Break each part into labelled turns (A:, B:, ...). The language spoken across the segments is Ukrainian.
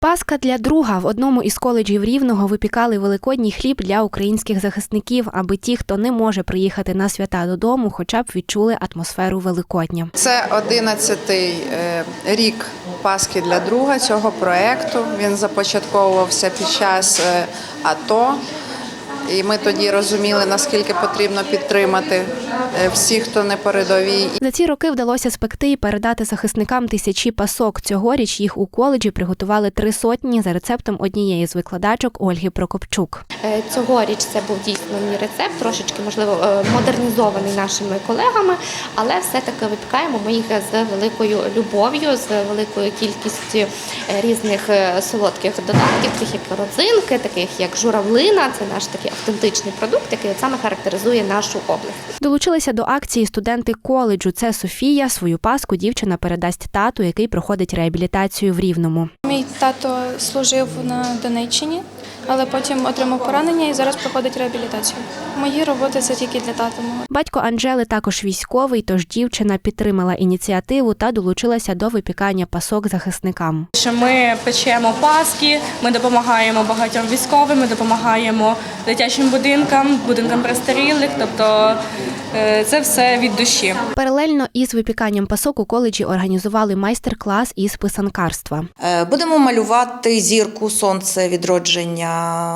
A: Паска для друга. В одному із коледжів Рівного випікали великодній хліб для українських захисників, аби ті, хто не може приїхати на свята додому, хоча б відчули атмосферу Великодня.
B: Це 11-й рік Паски для друга цього проєкту. Він започатковувався під час АТО. І ми тоді розуміли, наскільки потрібно підтримати всіх, хто на передовій.
A: За ці роки вдалося спекти і передати захисникам тисячі пасок. Цьогоріч їх у коледжі приготували 300 за рецептом однієї з викладачок Ольги Прокопчук.
C: Цьогоріч це був дійсно мій рецепт, трошечки, можливо, модернізований нашими колегами, але все-таки випікаємо ми їх з великою любов'ю, з великою кількістю різних солодких додатків, таких як родзинки, таких як журавлина. Це наш такий автентичний продукт, який саме характеризує нашу область.
A: Долучилися до акції студенти коледжу. Це Софія. Свою паску дівчина передасть тату, який проходить реабілітацію в Рівному.
D: Мій тато служив на Донеччині, але потім отримав поранення і зараз проходить реабілітацію. Мої роботи – це тільки для тата мого.
A: Батько Анжели також військовий, тож дівчина підтримала ініціативу та долучилася до випікання пасок захисникам.
E: Ми печемо паски, ми допомагаємо багатьом військовим, ми допомагаємо дитячим будинкам престарілих, тобто це все від душі.
A: Паралельно із випіканням пасок у коледжі організували майстер-клас із писанкарства.
F: Будемо малювати зірку, сонце, відродження,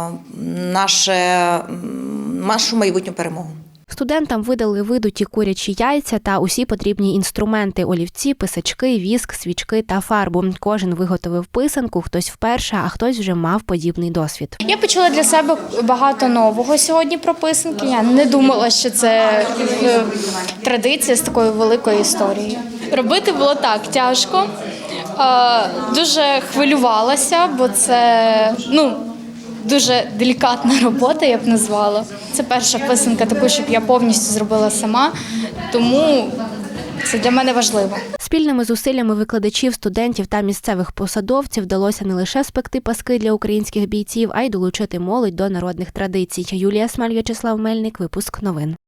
F: нашу майбутню перемогу.
A: Студентам видали видуті курячі яйця та усі потрібні інструменти – олівці, писачки, віск, свічки та фарбу. Кожен виготовив писанку, хтось вперше, а хтось вже мав подібний досвід.
G: Я почула для себе багато нового сьогодні про писанки. Я не думала, що це традиція з такою великою історією. Робити було так тяжко, дуже хвилювалася, бо це, дуже делікатна робота, я б назвала. Це перша писанка таку, щоб я повністю зробила сама, тому це для мене важливо.
A: Спільними зусиллями викладачів, студентів та місцевих посадовців вдалося не лише спекти паски для українських бійців, а й долучити молодь до народних традицій. Юлія Смаль, В'ячеслав Мельник, випуск новин.